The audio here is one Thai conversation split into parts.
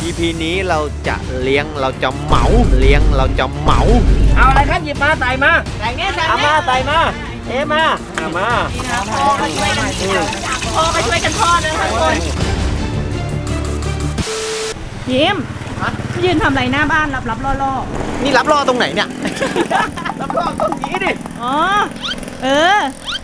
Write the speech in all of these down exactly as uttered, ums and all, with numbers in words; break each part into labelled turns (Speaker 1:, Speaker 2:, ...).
Speaker 1: อี พี นี้เราจะเลี้ยงเราจะเหมาเลี้ยงเราจะเหมาเอาอะไรครับหยิบมาใส่มาใส่เงี้ยใส่เอามาใส่มาเอ๊มาเอามาพ่อก็ช่วยกันพ่อก็ช่วยกันทอดนะทุกคน
Speaker 2: ยิ้มยืนทำไรหน้าบ้านรับรับล่อล่อ
Speaker 1: นี่รับรอตรงไหนเนี่ย รับรอตรงนี้ดิ
Speaker 2: อ๋อเออ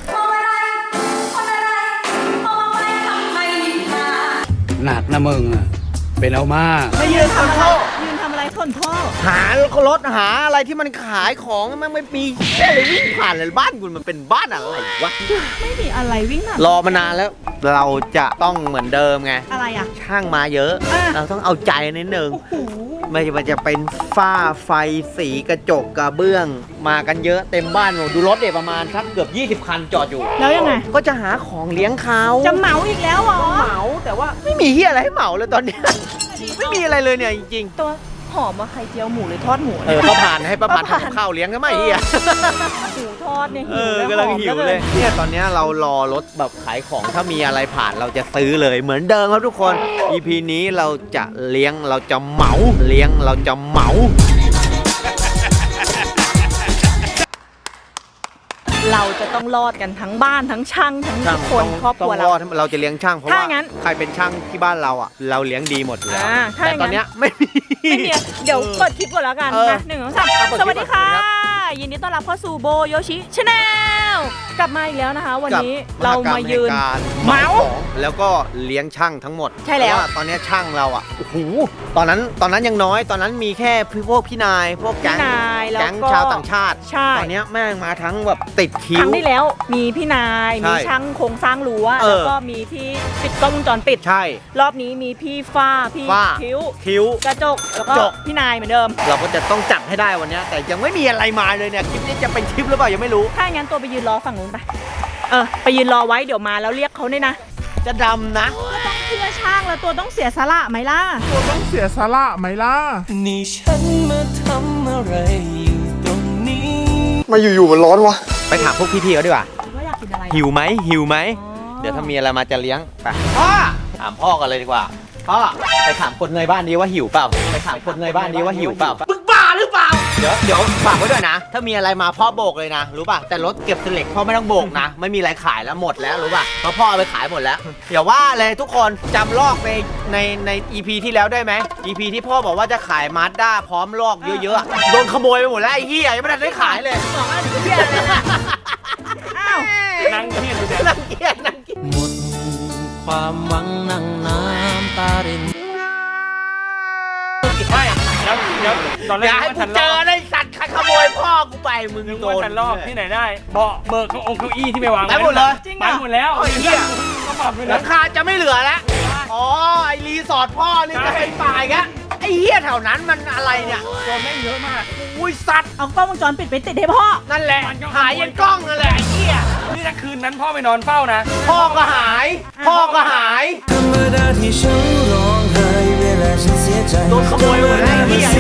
Speaker 3: หนักนะมึงอ่ะเป็นเอามาก
Speaker 2: มายืนทำอะไรยืนทำอะไรทนท่อ
Speaker 1: หารถหาอะไรที่มันขายของมันไม่มีแค่เลยวิ่งผ่านเลยบ้านคุณมันเป็นบ้านอะไรวะ
Speaker 2: ไม่มีอะไรวิ่งผ่าน
Speaker 1: รอมานานแล้วเราจะต้องเหมือนเดิมไง
Speaker 2: อะไรอ่ะ
Speaker 1: ช่างมาเยอะเราต้องเอาใจนิดนึงไม่ว่าจะเป็นฝ้าไฟสีกระจกกระเบื้องมากันเยอะเต็มบ้านหมดดูรถเด็กประมาณสักเกือบยี่สิบคันจอดอยู่
Speaker 2: แล้วยังไง
Speaker 1: ก็จะหาของเลี้ยงเขา
Speaker 2: จะเหมาอีกแล้วเหรอ
Speaker 1: เหมาแต่ว่าไม่มีเฮียอะไรให้เหมาเลยตอนนี้ไม่มีอะไรเลยเนี่ยจริง
Speaker 2: ๆตัวหอมมาไข่เจียวหมูหรือทอดหมู
Speaker 1: เออป้าผ่านให้ป้าผ่านทำข้าวเลี้ยงก็ไม่เฮีย
Speaker 2: หมูทอดเนี่ยหิว
Speaker 1: แล้วกำลังหิวเลยเนี่ยตอนนี้เรารอรถแบบขายของถ้ามีอะไรผ่านเราจะซื้อเลยเหมือนเดิมครับทุกคน อี พี นี้เราจะเลี้ยงเราจะเหมาเลี้ยงเราจะเหมา
Speaker 2: เราจะต้องรอดกันทั้งบ้านทั้งช่างทั้งทุกคนครอบครัวเรา
Speaker 1: เราจะเลี้ยงช่างเพราะว่าใครเป็นช่างที่บ้านเราอ่ะเราเลี้ยงดีหมดอยู่แล้วแต่ตอนนี้ไม่มี
Speaker 2: ไม่มีเดี๋ยวเปิดคลิปก่อนแล้วกันนะหนึ่งสองสามสวัสดีค่ะยินดีต้อนรับเข้าสู่โบโยชิชาแนลกลับมาอีกแล้วนะคะวันนี้เรามายืน
Speaker 1: เหมาแล้วก็เลี้ยงช่างทั้งหมด
Speaker 2: ใช่แล้ว
Speaker 1: ตอนนี้ช่างเราอ่ะโอ้โหตอนนั้นตอนนั้นยังน้อยตอนนั้นมีแค่พวกพี่นายพวกแก๊งแก๊งชาวต่างชาติตอนนี้แม่งมาทั้งแบบติดคิว
Speaker 2: ครั้งที่แล้วมีพี่นายมีช่างโครงสร้างรั้วแล้วก็มีที่ปิดกล้องวงจรปิด
Speaker 1: ใช่
Speaker 2: รอบนี้มีพี่ฟ้าพี่คิ้ว
Speaker 1: คิ้ว
Speaker 2: กระจกแล้วก็พี่นายเหมือนเดิม
Speaker 1: เราก็จะต้องจัดให้ได้วันนี้แต่ยังไม่มีอะไรมาเลยเนี่ยคลิปนี้จะเป็นคลิปหรือเปล่ายังไม่รู้
Speaker 2: ถ้างั้นตัวไปยืนรอฝั่งนู้นไปเออไปยืนรอไว้เดี๋ยวมาแล้วเรียกเขาเนี่ยนะ
Speaker 1: จะดำนะ
Speaker 2: ก็ต้องเชื่อช่างแล้วตัวต้องเสียสละไหมล่ะ
Speaker 4: ตัวต้องเสียสละไหมล่ะ
Speaker 5: นี่ฉันมาทำอะไรอยู่ตรงนี้
Speaker 1: มาอยู่ๆมันร้อนวะไปถามพวกพี่ๆเขาดีกว่า
Speaker 2: ว่าอยากกินอะไร
Speaker 1: หิวไหมหิวไหมเดี๋ยวถ้ามีอะไรมาจะเลี้ยงไปพ่อถามพ่อกันเลยดีกว่าพ่อไปถามคนในบ้านนี้ว่าหิวเปล่าไปถามคนในบ้านนี้ว่าหิวเปล่ามึงบ้าหรือเปล่าเดี๋ยวเดี๋ยวฝากไว้ด้วยนะถ้ามีอะไรมาพ่อโบกเลยนะรู้ป่ะแต่รถเก็บเสล็กพ่อไม่ต้องโบกนะไม่มีอะไรขายแล้วหมดแล้วรู้ป่ะเพราะพ่อเอาไปขายหมดแล้วอย่าว่าเลยทุกคนจำลอกในในใน อี พี ที่แล้วได้ไหม อี พี ที่พ่อบอกว่าจะขายมาสด้าพร้อมลอกเยอะๆโดนขโมยไปหมดแล้วไอ้เหี้ยยังไม่ทันได้ขายเลยบอกว่าเหี้ยเลย
Speaker 2: อ้าว
Speaker 1: นั่งเหี้ยนั่งเหี้ยนั่งเหี้ย
Speaker 5: หมดความหวังนั่งน้ำตาริน
Speaker 4: ไม่แล้วเดี๋ยวตอนแรก
Speaker 1: อย่าให้กูเจอได้สัตว์ขโมยพ่อกูไปมึงโดน
Speaker 4: ฉันลอกที่ไหนได้เบาะเบิกเก้าองเก้าอี้ที่ไปวาง
Speaker 1: ไปหมดเลย
Speaker 4: ไปหมดแล้ว
Speaker 1: ไอ้เหี้ยหลังคาจะไม่เหลือแล้วอ๋อไอรีสอร์ทพ่อนี่จะเป็นป่ายกะไอ้เหี้ยแถวนั้นมันอะไรเนี่ย
Speaker 4: โดนแม่งเยอะมาก
Speaker 1: อุ้ยสัตว์
Speaker 2: เอากล้องวงจรปิดไปติดให้พ่อ
Speaker 1: นั่นแหละหายยันกล้องนั่นแหละไอ้เหี้ย
Speaker 4: นี่ถ้าคืนนั้นพ่อไปนอนเฝ้านะ
Speaker 1: พ่อก็หายพ่อก็หาย
Speaker 5: ธรรมดาที่ฉันร้องไห้เวลาฉันเสียใจ
Speaker 1: โดนขโมยหมดแล้วไอ้เหี้ย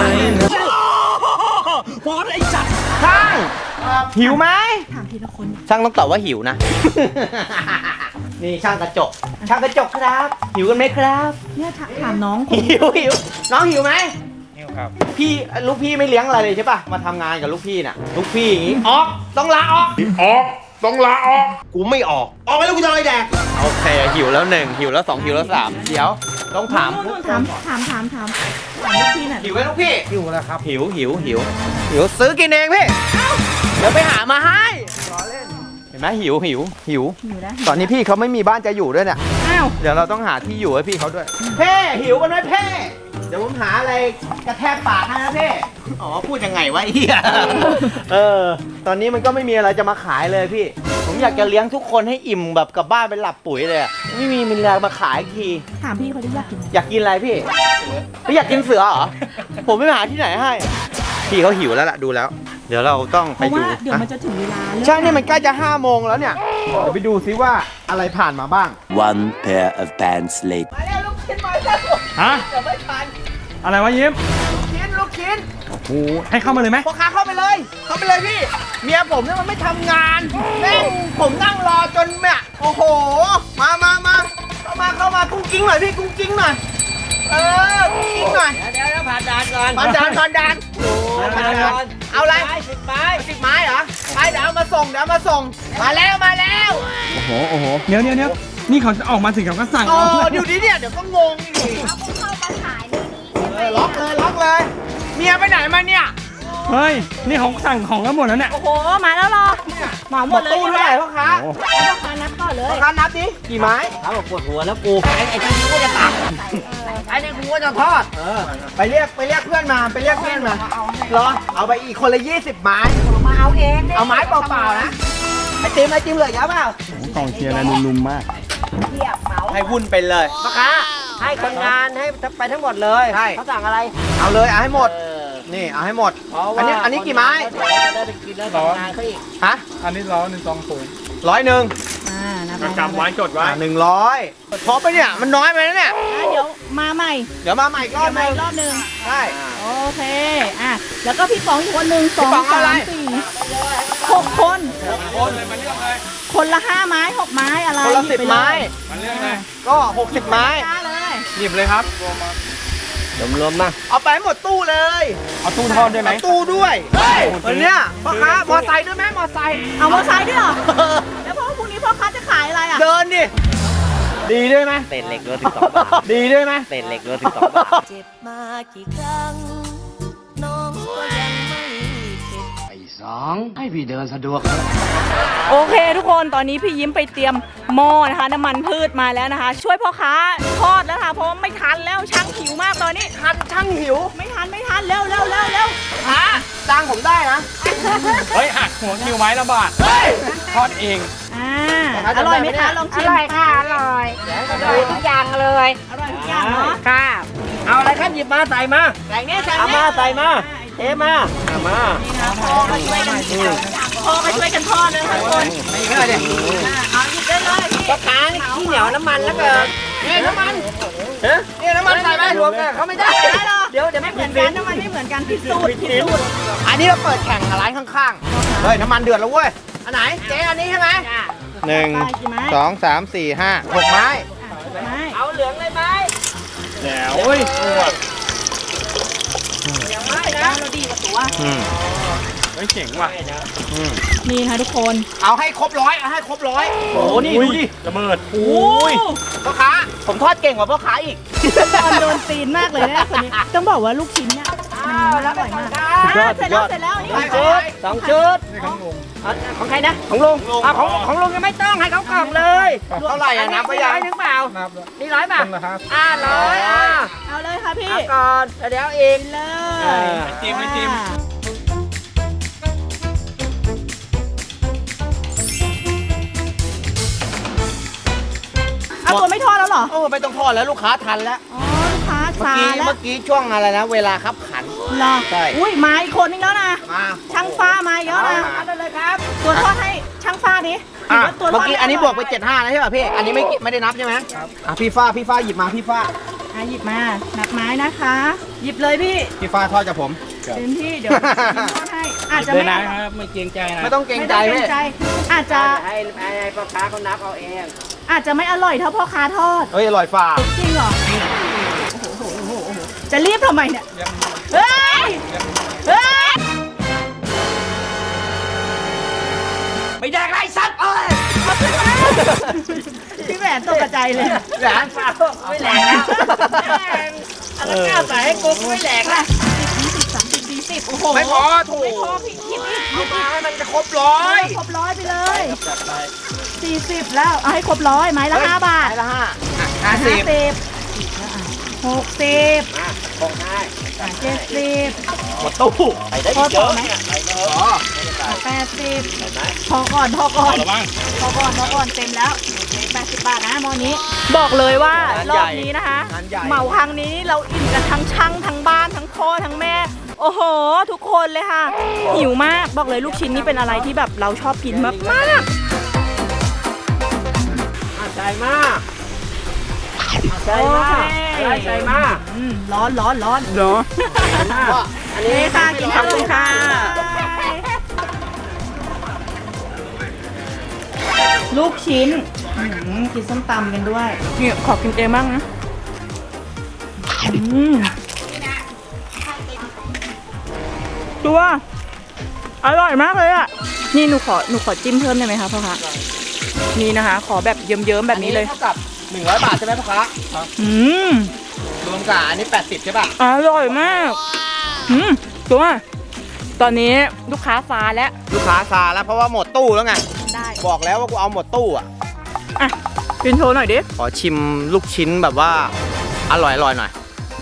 Speaker 4: พอไอ้จัด
Speaker 1: ช่างหิวไหม
Speaker 2: ถามทีละคน
Speaker 1: ช่างต้องตอบว่าหิวนะนี่ช่างกระจกช่างกระจกครับหิวกันไหมครับ
Speaker 2: เนี่ยถามน้อง
Speaker 1: หิวหิวน้องหิวไหม
Speaker 4: หิวครับ
Speaker 1: พี่ลูกพี่ไม่เลี้ยงอะไรเลยใช่ป่ะมาทำงานกับลูกพี่น่ะลูกพี่อย่างงี้ออกต้องลาออก
Speaker 4: ออกต้องลาออก
Speaker 1: กูไม่ออกออกไปแล้วกูจะอะไรแดกโอเคหิวแล้วหนึ่งหิวแล้วสองหิวแล้วสามเดี๋ยวต้องถาม
Speaker 2: ถามถามถามถามลูกพี่น่ะ
Speaker 1: หิวไหมลูกพี่
Speaker 4: หิวแล้วครับ
Speaker 1: หิวหิวหิวหิวซื้อกินเองพี่เดี๋ยวไปหามาให้รอเล่นเห็นไหมหิวหิวหิวตอนนี้พี่เขาไม่มีบ้านจะอยู่ด้วยเนี่ยเดี๋ยวเราต้องหาที่อยู่ให้พี่เขาด้วยเพ่หิวกันไหมเพ่เดี๋ยวผมหาอะไรกระแทกปากให้นะเพ่อ๋อพูดยังไงวะเฮียเออตอนนี้มันก็ไม่มีอะไรจะมาขายเลยพี่ผมอยากจะเลี้ยงทุกคนให้อิ่มแบบกลับบ้านเป็นหลับปุ๋ยเลยไม่มีมีอะไรมาขายที
Speaker 2: ถามพี่เขาได้อยากกิน
Speaker 1: อยากกินอะไรพี่พี่อยากกินเสือเหรอผมไม่หาที่ไหนให้พี่เขาหิวแล้วล่ะดูแล้วเดี๋ยวเราต้องไปดู
Speaker 2: เดี๋ยวมันจะถึงเวลา
Speaker 1: ใช่เนี่ยมันใกล้จะห้าโมงแล้วเนี่ยเดี๋ยวไปดูซิว่าอะไรผ่านมาบ้าง
Speaker 5: One pair of pants later
Speaker 1: มาแล้วลูกชิ้นมาแล้ว
Speaker 4: ฮะ
Speaker 1: เดี๋ยวไม่ทัน
Speaker 4: อะไรวะยิ้ม
Speaker 1: ลูกชิ้นลูกชิ้น
Speaker 4: โอ้โหให้เข้ามาเลยไหม
Speaker 1: พ่อค้าเข้าไปเลยเข้าไปเลยพี่เมียผมเนี่ยมันไม่ทำงานแม่งผมนั่งรอจนเนี่ยโอ้โหมามามาเข้ามาเข้ามากุ้งกิ้งหน่อยพี่กุ้งกิ้งหน่อยเออก่อนบอลดานบอลดานบอลดานเอาอะไรสิบไม้สิบไม้เหรอไปเดี๋ยวเอามาส่งเดี๋ยวเอามาส่งมาแล้วมาแล้ว
Speaker 4: โอ้โหโอ้โหเดี๋ยวเดี๋ยวเดี๋ยวนี่เขาจะออกมาถึงเขาก็สั่ง
Speaker 1: โอ้
Speaker 4: เอา
Speaker 1: เดี๋ยวนี้เนี่ยเดี๋ยวก็งงอีก
Speaker 6: เอาพวกเข้ามาขายในนี้ใช่ไหม
Speaker 1: เออล็อกเลยล็อกเลยเมียไปไหนมาเนี่ย
Speaker 4: เฮ้ยนี่เขาสั่งของกันหมดแล้วเนี่ย
Speaker 2: โอ้โหมาแล้วเหรอเหมาหมดเลย
Speaker 1: ตู้
Speaker 2: ใช่ไหม
Speaker 1: เท่าไหร่พ่อค้า
Speaker 4: โอ้
Speaker 2: พ่อค้านับก่อนเลย
Speaker 1: พ่อค้านับดิกี่ไม้
Speaker 5: เขาบอกปวดหัวแล้วกูไอ้ไอ้ที่นี่ก็จะตักไอ้นี่กูก็จะทอด
Speaker 1: เออไปเรียกไปเรียกเพื่อนมาไปเรียกเพื่อนมาเหรอเอาไปอีกคนละยี่สิบไม้
Speaker 6: มาเอาเองเนี่ย
Speaker 1: เอาไม้เปล่าๆนะไอติมไอติมเหลือเยอะเปล่า
Speaker 4: กองเชียร์นะนุ่มๆมาก
Speaker 6: เทียบเหมา
Speaker 1: ให้วุ่นไปเลย
Speaker 5: พ่อค้าให้คนงานให้ไปทั้งหมดเลย
Speaker 1: ใช่
Speaker 5: เขาสั่งอะไร
Speaker 1: เอาเลยเอาให้หมด
Speaker 5: เออ
Speaker 1: นี่เอาให้หมด
Speaker 5: เพราะ
Speaker 1: อัน
Speaker 5: ว่า
Speaker 1: นี้อันนี้กี่ไม้
Speaker 5: คนงานจะได้ไปกินแล้วทำงานเขาอีก
Speaker 1: ฮะ
Speaker 4: อันนี้ร้อยหนึ่งสองศูนย์
Speaker 1: ร้อยหนึ่ง
Speaker 2: อ่านับ
Speaker 4: จำไว้จดไว้
Speaker 1: หนึ่งร้อยพอไปะเนี่ยมันน้อยไปนะเนี่ย
Speaker 2: อ่ะเดี๋ยวมาใหม่
Speaker 1: เดี๋ยวมาใหม่อีกร
Speaker 2: เดี๋
Speaker 1: อย บ
Speaker 2: ว
Speaker 1: ห
Speaker 2: มา
Speaker 1: นึง
Speaker 2: อีกรอบหนึ่ง
Speaker 1: ใช่
Speaker 2: โอเคอ่ะแล้วก็พี่ป๋องอีกคนหนึ่งสอง
Speaker 1: พี่ป๋องเอา
Speaker 2: สา
Speaker 1: อะไร
Speaker 2: มสี่หกคนคนละห้าไม้หกไม้อะไร
Speaker 1: คนละ
Speaker 2: หยิ
Speaker 1: สิบ
Speaker 2: ปเย
Speaker 1: ไม้
Speaker 4: มันเรื่องอะไร
Speaker 1: ก็หกสิบไม้
Speaker 2: ได้เลย
Speaker 4: หยิบเลยครับ
Speaker 5: รวมๆมา
Speaker 1: เอาไปให้หมดตู้เลย
Speaker 4: เอาตู้ทอดด้วยไหม
Speaker 1: เอาตู้ด้วยวันเนี้ยพ่อค้ามอไซค์ด้วยไหมมอไซค์
Speaker 2: เอามอไซค์ด้วยเหรอแล้วพอพรุ่งนี้พ่อค้าจะขายอะไรอ่ะ
Speaker 1: เดินดิดีด้วยไหม
Speaker 5: เศษเหล็กรวมถึงสองบาท
Speaker 1: ดีด้วยไหม
Speaker 5: เศษเหล็กรวมถึงสองบาท
Speaker 6: เจ็บมากี่ครั้ง น้องก็ยังไม่เข็ด
Speaker 3: ไอ้สองให้พี่เดินสะดวก
Speaker 2: โอเคทุกคนตอนนี้พี่ยิ้มไปเตรียมหม้อนะคะน้ำมันพืชมาแล้วนะคะ ช่วยพ่อค้าทอดแล้วค่ะเพราะว่าไม่ทันแล้วช่างหิวมากตอนนี้
Speaker 1: ทันช่างหิว
Speaker 2: ไม่ทันไม่ทันเร็วเร็วเร็วเร็ว
Speaker 1: ฮะจ้างผมได้นะ
Speaker 4: เฮ้ยหักหัวคิวไม้ละบาท
Speaker 1: เฮ้ย
Speaker 4: ทอดเอง
Speaker 2: อ่าอร่อยไหมคะลองชิม
Speaker 6: อร่อยค่ะ อร่อย อร่อยทุกอย่างเลย
Speaker 2: อร่อยทุกอย่างเนาะ
Speaker 5: ค่ะเอาอะไรครับหยิบมาใส่มา
Speaker 2: ใส่เนี่ยใส่
Speaker 5: เอา
Speaker 2: เนี่
Speaker 5: มาย ใส่มาเทมาเอามา
Speaker 2: นี่นะพ่อก็ช่วยกันพ่อก็ช่วยกันทอดเลยค่ะทุกคน
Speaker 1: ไม่ได้ดิ
Speaker 2: อ่าเอาหยิบได้เลยพี่
Speaker 5: พ่อค้านี่ขี้เหนียวน้ำมันแล้วเกิน
Speaker 1: นี่น้ำมันนี่น้ำมันใส่ไหม
Speaker 5: รวมกันเขาไม่ได้
Speaker 2: ไม่ได้หรอ
Speaker 5: เดี๋ยวเดี๋ยว
Speaker 2: ไม่
Speaker 5: ไม่
Speaker 2: เห
Speaker 5: เห
Speaker 2: มื
Speaker 5: มื
Speaker 2: อ
Speaker 5: อน น
Speaker 2: กั
Speaker 5: กัน น
Speaker 2: น้ำมันไม่เหมือนกันพิสูจน์พิสูจน์
Speaker 1: อันนี้เราเปิดแข่งกับร้านข้างๆ เฮ้ยน้ำมันเดือดแล้วเว้ย อันไหนเจ๊อันนี้ใช่ไหมหนึ่ง
Speaker 2: ไปกี่ไม้
Speaker 1: สองสามสี่ห้าหกไม้
Speaker 2: ไม้
Speaker 5: เอาเหลืองเลยไหม
Speaker 4: แจ๋วเฮ้ย
Speaker 2: ไม่นะเราดีกว่าตัว
Speaker 1: อืม
Speaker 4: เฮ้ยเจ๋งว่ะ
Speaker 1: อืม
Speaker 2: นี่ค่ะทุกคน
Speaker 1: เอาให้ครบร้อยเอาให้ครบร้อยโอ้โหนี่ดูดิ
Speaker 4: ระเบิด
Speaker 2: โอ้
Speaker 1: พ่อค้าผมทอดเก่งกว่าพ่อค้าอีก
Speaker 2: ตอนโดนตีนมากเลยนะคนนี้ต้องบอกว่าลูกชิ้นเนี่ยมันอร่อยมาก
Speaker 1: สุดยอด
Speaker 2: เสร็จแล้วเสร็จแล้วนี่
Speaker 1: ไป
Speaker 2: ของ
Speaker 1: ชุด
Speaker 5: สองชุด
Speaker 4: นี่ของลุง
Speaker 5: เอาของใครนะของลุงเอาของของลุงยังไม่ต้องให้เขากล่องเลย
Speaker 1: เท่าไหร่อะนับไปยัง
Speaker 5: ร้อยหนึ่งเปล่า
Speaker 4: นับแล้ว
Speaker 5: นี่ร้อยป่ะ
Speaker 4: คนละครับ
Speaker 5: อ่าร้อยอ่า
Speaker 2: เอาเลยค่ะพี่
Speaker 5: เอาก่อนเดี๋ยวอีก
Speaker 2: เลย
Speaker 5: เออ
Speaker 4: จิ้มไม่จิ้ม
Speaker 2: เอาตัวไม่ทอดแล้วเหรอ
Speaker 1: โอ้ไม่ต้องทอดแล้วลูกค้าทันแล้ว
Speaker 2: อ๋อลูกค้า
Speaker 1: เมื่อ
Speaker 2: ซา
Speaker 1: กี้
Speaker 2: แล้ว
Speaker 1: เมื่อกี้ช่วงอะไรนะ เวลาคับขัน
Speaker 2: เหรอ
Speaker 1: ใช่
Speaker 2: อุ้ยมาอีกคนนึงแล้วนะ
Speaker 1: มา
Speaker 2: ช่างฟ้ามาอีกแล้วนะ
Speaker 1: มา
Speaker 2: เอาเลยครับ ตัวทอดให้ช่างฟ้าดิ
Speaker 1: อ่ะ
Speaker 2: ตัวท
Speaker 1: เมื่อ
Speaker 2: ด
Speaker 1: กี้อันนี้บวกไปเจ็ดห้าแล้วใช่ป่ะพี่ อันนี้ไม่ไม่ได้นับใช่ไหมอ่ะพี่ฟ้าพี่ฟ้าหยิบมาพี่ฟ้า
Speaker 2: อ่ะหยิบมานับไม้นะคะ หยิบเลยพี่
Speaker 1: พี่ฟ้าทอดกับผม
Speaker 2: เต็มที่เดี๋ยวพิมพ์ทอดให้อาจจะ
Speaker 4: เลย
Speaker 2: ไม่
Speaker 4: นะครับไม่เกรงใจนะ
Speaker 1: ไม่ต้องเกรง
Speaker 2: ไม่
Speaker 1: ใจ
Speaker 2: ต้องเกร
Speaker 1: พี่
Speaker 2: งใจ อาจจะ
Speaker 5: ให้ให้ให้พ่อค้าเขานับเอาเอง
Speaker 2: อาจจะไม่อร่อยเท่าพ่อค้าทอด
Speaker 1: เฮ้ยอร่อยฝ่า
Speaker 2: จริงเหรอโอ้โหโอ้โหโอ้โหจะรีบทำไมเนี่ย เฮ้ย เฮ้ย
Speaker 5: ไม่แดกไรสัตว์เอ้ย
Speaker 2: เอาขึ้นมาพี่แหวนตกกระใจเลย
Speaker 1: แหลน
Speaker 5: ไม่แหลกแล้วอะไรกล้าใส่ให้กูไม่แหลกละ
Speaker 2: ยี่สิบสามสิบสี่สิบโอ้โห
Speaker 1: ไม่พอถูก
Speaker 2: ไม่พอพี่คิดอีกคิดอีก
Speaker 1: ให้มันจะครบร้อย
Speaker 2: ครบร้อยไปเลยสี่สิบแล้วเอาให้ครบร้อยไม้ละห้าบาท
Speaker 1: ไม้ละห้าอ่ะห้าสิบ
Speaker 2: หกสิบ
Speaker 5: คงได้
Speaker 2: เจ็ดสิบ
Speaker 1: หมดตู้
Speaker 5: ใส่ได้
Speaker 2: พอ
Speaker 5: เย
Speaker 2: ต่อ
Speaker 5: อะ
Speaker 2: ไหม
Speaker 5: เนี่ยใส่เย
Speaker 1: อ๋
Speaker 5: อะ
Speaker 1: อ
Speaker 2: แปดสิบพอก่อนพอก่อน
Speaker 4: ระวัง
Speaker 2: พอก่อนพอก่อนเต็มแล้วแปดสิบบาทนะหมอนี้ บอกเลยว่ารอบนี้นะคะ
Speaker 1: งานใหญ่
Speaker 2: เหมาครั้งนี้เราอิ่มกันทั้งช่างทั้งบ้านทั้งพ่อทั้งแม่ โอ้โห ทุกคนเลยค่ะ หิวมากบอกเลยลูกชิ้นนี่เป็นอะไรที่แบบเราชอบกินมากมาก
Speaker 5: อ่ะใส่มาอ่ะ
Speaker 2: ๆ
Speaker 5: ใส่มาอะไรใส่มา
Speaker 2: อืมร้อนร้อนร้อน
Speaker 4: เหรอ
Speaker 1: ว่า
Speaker 5: อันนี้
Speaker 2: นี่ค่ะกินขอบคุณค่ะลูกชิ้นอืมกินส้มตำกันด้วยนี่ขอกินเองบ้างนะอืมตัวอร่อยมากเลยอ่ะนี่หนูขอหนูขอจิ้มเพิ่มได้ไหมคะพ่อคะนี่นะคะ ขอแบบเยิ้มๆแบบนี้เลย
Speaker 1: เท่ากับหนึ่งร้อยบาทใช่ไหมพ่อค้า
Speaker 2: อืม
Speaker 1: รวมกับอันนี้แปดสิบใช่ป่ะ
Speaker 2: อร่อยมากอืมตัวตอนนี้ลูกค้าฟ้าแล้ว
Speaker 1: ลูกค้าซาแล้วเพราะว่าหมดตู้แล้วไง
Speaker 2: ได้
Speaker 1: บอกแล้วว่ากูเอาหมดตู้อ่ะ
Speaker 2: อ่ะกินโชว์หน่อยดิ
Speaker 1: ขอชิมลูกชิ้นแบบว่าอร่อยอร่อยหน่อย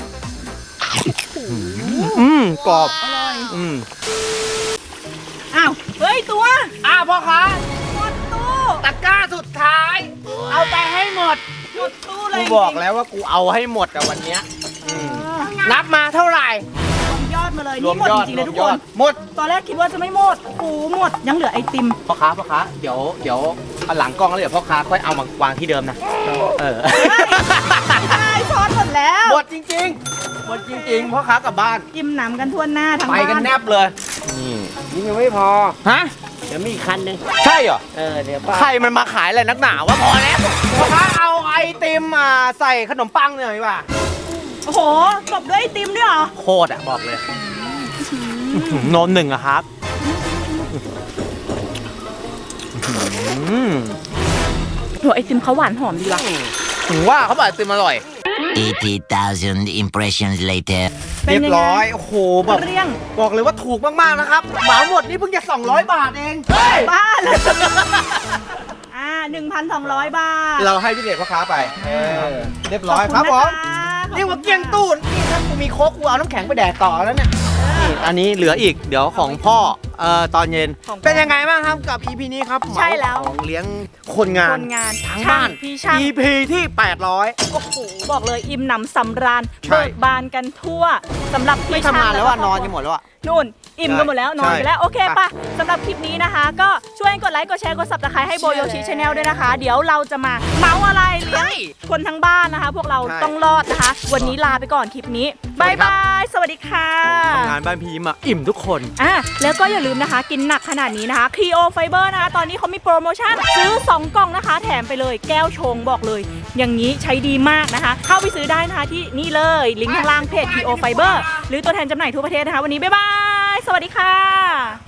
Speaker 1: อืมกรอบ
Speaker 2: อร่อย
Speaker 1: อืม
Speaker 2: อ้าวเฮ้ยตัว
Speaker 1: อ้าวพ่อค้า
Speaker 2: หมดตู้
Speaker 1: ตะกร้าสุดท้าย เอาไปให้หมด
Speaker 2: หมดตู้เล
Speaker 1: กู
Speaker 2: ย
Speaker 1: บอกแล้วว่ากูเอาให้หมดอะวันเนี้ยอืมนับมาเท่าไหร่
Speaker 2: รวมยอดมาเลย
Speaker 1: รว
Speaker 2: นี่
Speaker 1: ม
Speaker 2: หมด
Speaker 1: ยอด
Speaker 2: จริงๆเลย
Speaker 1: รว
Speaker 2: ทุ
Speaker 1: ม
Speaker 2: ก
Speaker 1: ย
Speaker 2: ค
Speaker 1: อด
Speaker 2: น
Speaker 1: หมด
Speaker 2: ตอนแรกคิดว่าจะไม่หมดโอ้หมดยังเหลือไอติม
Speaker 1: พ่อค้าพ่อค้าเดี๋ยวเดี๋ยวเอาหลังกล้องแล้วเดี๋ยวพ่อค้าค่อยเอามาวางที่เดิมนะเออ
Speaker 2: ใช่ช้อนหมดแล้ว
Speaker 1: หมดจริงๆหมดจริงๆพ่อค้ากลับบ้าน
Speaker 2: จิ้มหนำกันทั่วหน้าทั้ง
Speaker 1: ไป
Speaker 2: บ้าน
Speaker 1: กันแนบเลยนี่
Speaker 5: นี่ยังไม่พอ
Speaker 1: ฮะ
Speaker 5: เดี๋ยวมีอีกคันหนึง
Speaker 1: ใช่เหรอ
Speaker 5: เออเดี๋ยวป้า
Speaker 1: ใครมันมาขายอะไรนักหนาวะพอแล้วพ่อค้าเอาไอติมมาใส่ขนมปังหน่อยดีกว่า
Speaker 2: โอ้โหตบด้วยไอติมด้วยเหรอ
Speaker 1: โคตรอะบอกเลยโนนหนึ่งอะครับอืม
Speaker 2: โหไอติมเขาหวานหอมดีว่ะ
Speaker 1: ถึงว่าเขาบอกไอติมอร่อย
Speaker 7: eighty thousand impressions later.
Speaker 2: เป็น
Speaker 1: เรียบ
Speaker 2: ยังไง
Speaker 1: ร้อย โอ้โหแบบ
Speaker 2: เรียง
Speaker 1: บอกเลยว่าถูกมากๆนะครับเหมาหมดนี่เพิ่งจะสองร้อยบาทเอง
Speaker 2: บ้าเลยอ่าหนึ่งพันสองร้อยบาท
Speaker 1: เราให้พี่เดชพ่อค้าไปเรียบร้อยครับผม
Speaker 2: ขอบคุณนะคะ
Speaker 1: เรียกว่าเกลี้ยงตู้นี่ถ้ากูมีโค้กกูเอาน้ำแข็งไปแดกต่อแล้วเนี่ยนี่อันนี้เหลืออีกเดี๋ยวของพ่อเอ่อตอนเย็น
Speaker 2: ของพ่อ
Speaker 1: เป็นยังไงบ้างครับกับ อี พี นี้ครับ
Speaker 2: ใช่แล้ว
Speaker 1: เหมาของเลี้ยงคนงา
Speaker 2: คน นงาน
Speaker 1: ทั้งบ้าน
Speaker 2: ช่พี่ช่าง
Speaker 1: อี พี ที่แปดร้อย
Speaker 2: โอ้โหบอกเลยอิ่มหนำสำราญ
Speaker 1: ใช่
Speaker 2: เบิกบานกันทั่วสำหรับพี่
Speaker 1: ไม่
Speaker 2: ช่าง
Speaker 1: ทำงานแล้วอ่ะ
Speaker 2: ก็
Speaker 1: นอนกันหมดแล้วอ่ะ
Speaker 2: นู่นอิ่มกันหมดแล้วนอนไปแล้ว
Speaker 1: ใช่
Speaker 2: โอเค
Speaker 1: ไป
Speaker 2: ปะสำหรับคลิปนี้นะคะ ก็ช่วยกดไลค์กดแชร์กดซับสไครต์ให้โบโยชิชาแนลด้วยนะคะ เดี๋ยวเราจะมาเมาอะไรเลี้ยงคนทั้งบ้านนะคะ พวกเรา
Speaker 1: ใช่
Speaker 2: ต้องรอดนะคะ วันนี้ลาไปก่อนคลิปนี้บายบายสวัสดีค่ะ
Speaker 1: ทำงานบ้านพีมาอิ่มทุกคน
Speaker 2: อ่ะแล้วก็อย่าลืมนะคะ กินหนักขนาดนี้นะคะ Clio Fiber นะคะ ตอนนี้เขามีโปรโมชั่นซื้อสองกล่องนะคะ แถมไปเลยแก้วชงบอกเลย อย่างนี้ใช้ดีมากนะคะ เข้าไปซื้อได้นะคะที่นี่เลย ลิงก์ข้างล่างเพจ Clio Fiber หรือตัวแทนจำหน่ายทั่วประเทศนะคะ วันนี้บ๊ายบาย สวัสดีค่ะ